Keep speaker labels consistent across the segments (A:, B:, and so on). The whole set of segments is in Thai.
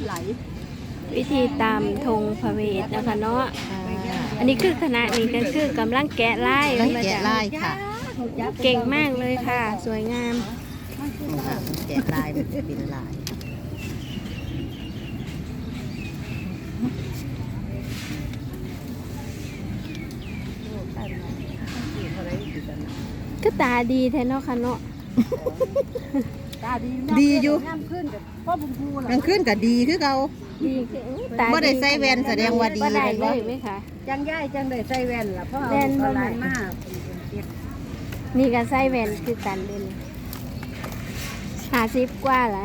A: ไหล
B: วิธีตามธงพระเวทนะคะเนาะอันนี้คือคณะนี้ก็คือกำลังแกะลาย
C: แกะลายค่ะ
B: เก่งมากเลยค่ะ สวยงาม
C: แกะลายเป็นลาย
B: ก็ตาดีแท้เนาะค่ะเนาะ
C: ดีอยู่
A: งามขึ้นกับพ่อบุญภูล่ะ
C: กลางคืนก็ดีคือเขา
B: ดีคือตา
C: บ่ได้ใส่แว่นแสดงว่าดี
B: บ่ได้
C: เป็น
B: เล
C: บ่
B: ยไหมคะ
A: จังย่ายจังได้ใส่แว่นล่ะเพราะเอา
B: แว่นบ่
A: หลานมาก
B: นี่ก็ใส่แว่นคือกันเด่น50กว่าล่ะ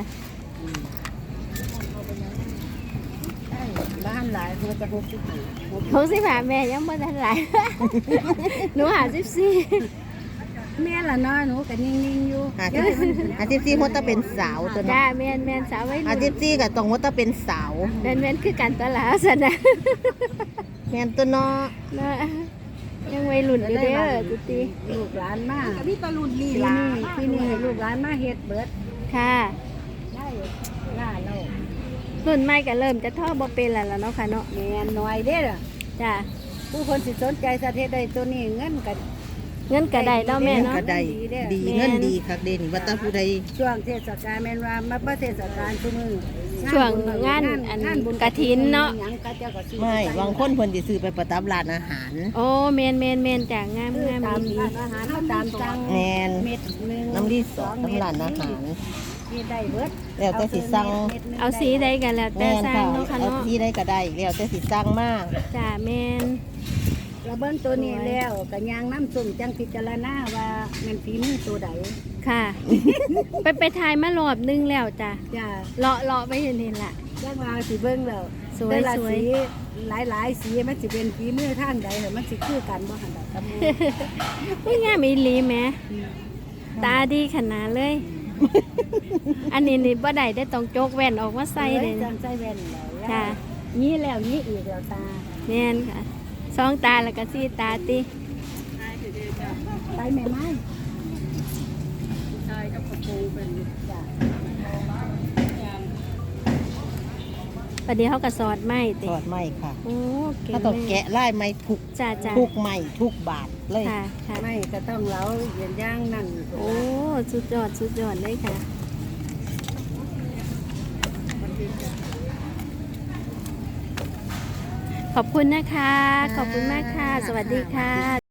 A: บ้านหลายมันจะ65
B: 65แม่ยังบ่ทันหลาย หนู54
A: แม่ละน้อยหนูก็นิ่งๆอยู่
C: อาทิตย์ที่มดตะเป็นสาวตัว
B: จ้า
C: เนาะ
B: แม่นสาวไว้
C: อาทิตย์ที่ก็ต้องมดตะเป็นสาว
B: แม่นคือกันตลาดซะนะ
C: แม่นตัวเนาะ
B: เนาะยังวัยรุ่นอยู่เด้อจุติ
A: ลูกหลานมากพี่ตะลุนลีลาที่นี่ให้ลูกหลานมาเฮ็ดเบิด
B: ค่ะ
A: ได้ล่าเรา
B: รุ่นใหม่ก็เริ่มจะท่อบ่เป็นแล้วล่ะเนาะค่ะเนาะ
A: แม่นน้อยเด้อ
B: จ้า
A: ผู้คนสิสนใจสะเทศใดตัวนี้เงินกัน
B: เงินก็ได้เนาะแม่เนาะ
C: ก็ได้ดีเงินดีคักเด่นว่าแตาผู้ใด
A: ช่วงเทศกาลแม่นว่ามาประเทศกาลทุกมื้อ
B: ช่วงงานอันบุญกฐินเนาะ
A: หยังก็เจ้าก็ซื้อ
C: ไม่บางคนเพิ่นสิซื้อไปประดับร้านอาหาร
B: โอ้แม่นจ้างาม
A: ซื้อง
B: าม
A: ตาม
B: ดี
A: ร้านอาหารเฮาตามสั่ง
C: แม่น
A: เม็ดหนึง
C: น้ำรีสอร์ทน้ำร้านอาหาร
A: ที่ได้เบิด
C: แล้วแต่สิสั่ง
B: เอาสีใดกันแล้วแต่
C: แม่น
B: สร้าง
C: ค่ะ
B: เนาะค่ะ
C: เอา
B: เนาะ
C: ที่ได้ก็ได้แล้วแต่สิสั่งมา
B: จ้าแม่น
A: แล้วเบิ่งตัวนี้แล้วก็ยางน้ำส้มจังพิจารณาว่าแม่นฝีมือตัวใด
B: ค่ะ ไปถ่ายมารอบนึงแล้วจ้ะ
A: จ้า
B: เลาะไปเห็นล่ะ
A: จังว่าสิเบิ่งแล้ว
B: สวย
A: แต่ละ
B: สวย
A: สีหลายๆสีมันสิเป็นฝีมือทางใดเหรอมันสิคือกันบ่หั่นดอกกับหมู่
B: อุ้ยงามอีหลีแหมตาดีขนาดเลย อันนี้นี่บ่ได้ได้ต้องโจกแว่นออกมาใส่เลย
A: จังใส่แว่นแล้ว
B: ค่ะ
A: นี่แล้วนี่อีกแล้วตา
B: แม่นค่ะสองตาแล้วก็สี่ตาติ
A: ไปแม่ไม้ชายกับกระโปรงเป็นจ้ะ
B: ประเดี๋ยวเขาก็สอดไม้ติ
C: ทอดไหมค่ะ
B: โอ้เก่ง
C: ถ้าต้อง
B: เลย
C: แกะลายไหมทุก
B: จ้า
C: ทุกไหมทุกบาทเลย
B: ค่ะค่ะ
A: ไม่ก็ต้องเล้าเย็นย่างนั่น
B: โอ้สุดยอดเลยค่ะ ขอบคุณนะคะ ขอบคุณมากค่ะ สวัสดีค่ะ